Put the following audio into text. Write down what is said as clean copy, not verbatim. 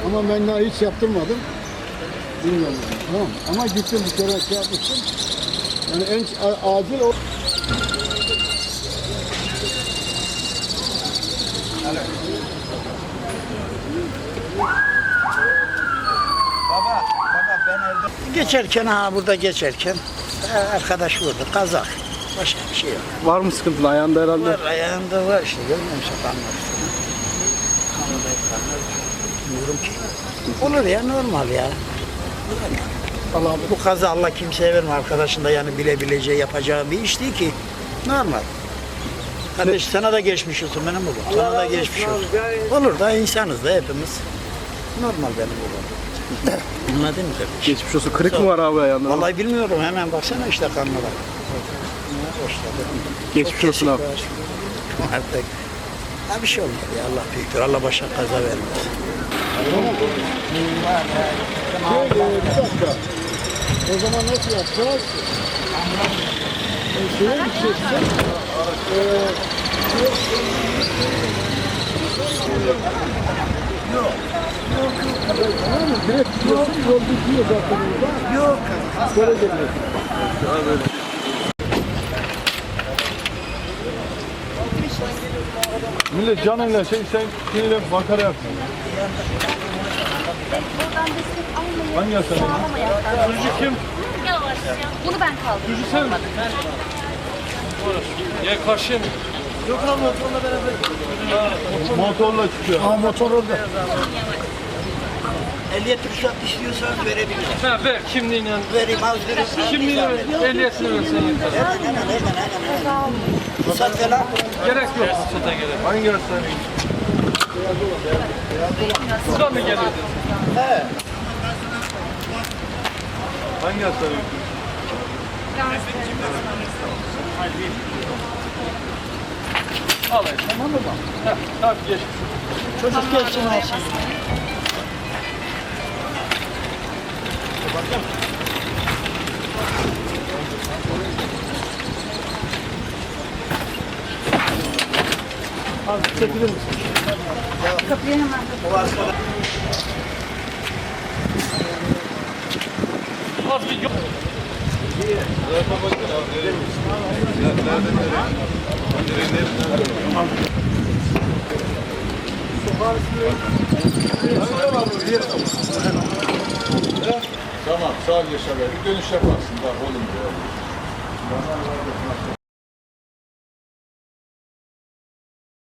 Ama ben daha hiç yaptırmadım. Bilmiyorum. Tamam. Ama gittim bir kere şey yapmıştım. Yani en acil o. Baba ben evde. Geçerken burada geçerken arkadaş vurdu. Kazak. Başka bir şey yok. Var mı sıkıntılı ayağında herhalde? Var ayağında var işte görmüyor musun kanlar? Kanında hep kanlar. Bilmiyorum ki. Olur ya normal ya. Allah bu kaza Allah kimseye verme arkadaşın da yani bilebileceği yapacağı bir iş değil ki. Normal. Kardeş sana da geçmiş olsun benim oğlum. Sana da geçmiş olsun. Olur da insanız da hepimiz. Normal benim oğlum. Anladın mı kardeş? Geçmiş olsun. Kırık mı var abi ayağında? Vallahi bilmiyorum hemen baksana işte kanlara. Geçmiş olsun abi. Artık ha bir şey olmadı ya Allah büyüktür. Allah başına kaza vermez. Bir dakika. O zaman nasıl yapacağız? Şeye gideceksin. Tamam mı? Direkt gidiyorsun, yol bitiyor zaten orada. Yok. Böyle geliyorsun. Millet canıyla sen şeyle makara yapsın. Buradan destek almayı Hangi hastane? sağlamaya. Çocuk kim? Yavaş ya. Bunu ben kaldırdım. Çocuk sen mi? Ya karşıya mı? Yok lan motorla beraber. Motorla çıkıyor. Ha motor orada. Ehliyet ruhsat istiyorsanız verebilirim. Ha ver kimliğini. Vereyim az verirsin. Kimliğini ver. Ehliyetini versen yeter. Ruhsat falan. Gerek yok. Ruhsata gerek. Hangi hastane? Sıra mı geliyor? He. Hangi hastane? Al tamam mı? Tamam geç. Çocuk gelsin alsın. Az çekilir misin? Kapıyı hemen Az bir yok. Tamam sağ ol Yaşar Bey. Bir dönüş yaparsın. Bak oğlum diyor.